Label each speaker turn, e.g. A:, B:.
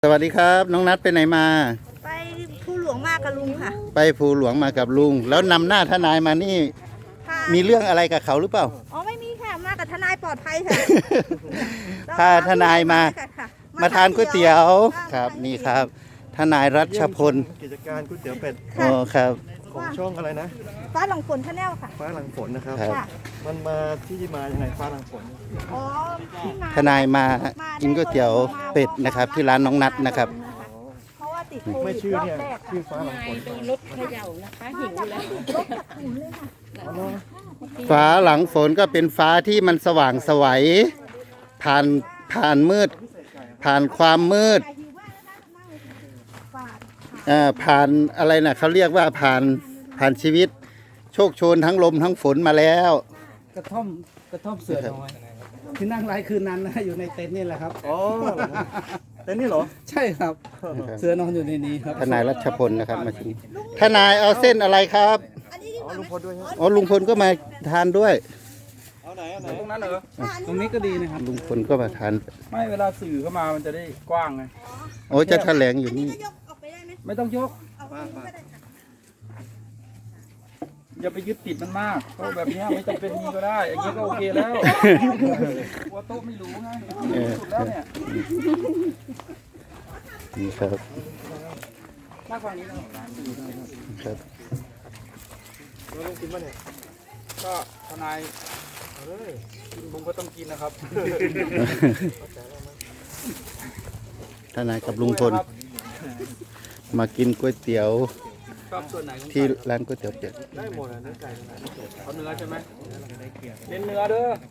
A: สวัสดีครับน้องนัดไปไหนมา
B: ไปภูหลวงมากับลุงค่ะ
A: ไปภูหลวงมากับลุงแล้วนำหน้าทนายมานี่มีเรื่องอะไรกับเขาหรือเปล่า
B: อ๋อไม่มีค่ะมากับทนายปลอดภัยค่ะ
A: พาทนายมาทานก๋วยเตี๋ยวครับนี่ครับทนายรัชพล
C: กิจการก๋วยเตี๋ยวเป็ด
A: อ๋อครับ
C: ของช่องอะไรนะ
B: ฟ้าหลังฝนชาแนลค่ะ
C: ฟ้าหลังฝนนะครับ
B: ค่ะ
C: มันมาที่มายังไงฟ้าหลังฝน
B: อ๋อ
A: ทนายมากินก๋วยเตี๋ยวเป็ดนะครับที่ร้านน้องนัดนะครับ
B: เพราะว่าติดโควิด
C: ไม่ชื่อเนี่ยชื่อฟ้าหลังฝน
D: โดนรถเขย่านะคะหิวแล้ว
B: รถจากขุนเลยค่ะ
A: ฟ้าหลังฝนก็เป็นฟ้าที่มันสว่างไสวผ่านมืดผ่านความมืดผ่านอะไรนะเขาเรียกว่าผ่านชีวิตโชคโชนทั้งลมทั้งฝนมาแล้ว
E: กระท่อมเสือน้อยที่นั่งไร้คืนนั้นนะอยู่ในเต็นท์นี่แหละครับ
C: อ๋อเต็นท์นี่เหรอ
E: ใช่ครับเสือนอนอยู่ในนี้ครับ
A: ทนายรัชพลนะครับมาชิมทนายเอาเส้นอะไรครับ
C: อ๋อลุงพลด้วยครับ
A: อ๋อลุงพลก็มาทานด้วย
C: เอาไหน
E: ตรงนั้นเหรอตรงนี้ก็ดีนะครับ
A: ลุงพลก็มาทาน
E: ไม่เวลาสื่อเข้ามามันจะได้กว้างไง
A: โอ้จะแถลงอยู่นี่
E: ไม่ต้องยกอย่าไปยึดติดมันมากเพราะแบบนี้ไม่จำเป็นมีก็ได้อย่างนี้ก็โอเคแล้วหัวโต๊ะไม่รู้ไงสุดแล้วเนี่ย
A: นี่ครับ
E: มากกว่านี้นะครับ
C: เราต้องกินป่ะเนี่ย
E: ก็ทนายกินบุ้งก็ต้องกินนะครับ
A: ทนายกับลุงพลมากินก๋วยเตี๋ยวที่ร้านก๋วยเตี๋ยวเป็ด
C: ได้หมดอ่ะเนื้อไก่
E: เอาเนื้อใช่ไหมเน้นเนื้อเด้อ